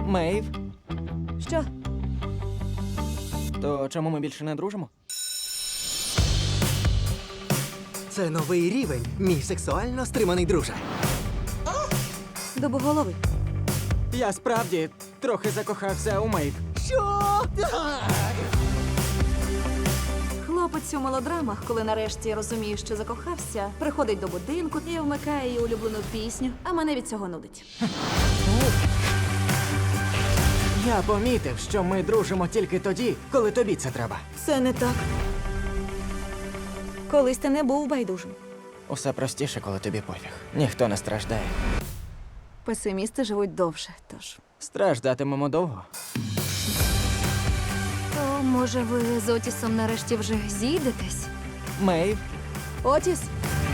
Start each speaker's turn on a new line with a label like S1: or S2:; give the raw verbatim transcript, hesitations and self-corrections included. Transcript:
S1: Мейв,
S2: Що?
S1: то чому ми більше не дружимо?
S3: Це новий рівень, мій сексуально стриманий друже.
S2: Дубоголовий.
S1: Я справді трохи закохався у Мейв.
S3: Що?
S2: Хлопець у мелодрамах, коли нарешті розуміє, що закохався, приходить до будинку і вмикає її улюблену пісню, а мене від цього нудить.
S1: Я помітив, що ми дружимо тільки тоді, коли тобі це треба.
S2: Це не так. Колись ти не був байдужим.
S1: Усе простіше, коли тобі пофіг. Ніхто не страждає.
S2: Песимісти живуть довше, тож.
S1: Страждатимемо довго.
S4: То, може, ви з Отісом нарешті вже зійдетесь?
S1: Мейв,
S2: Отіс,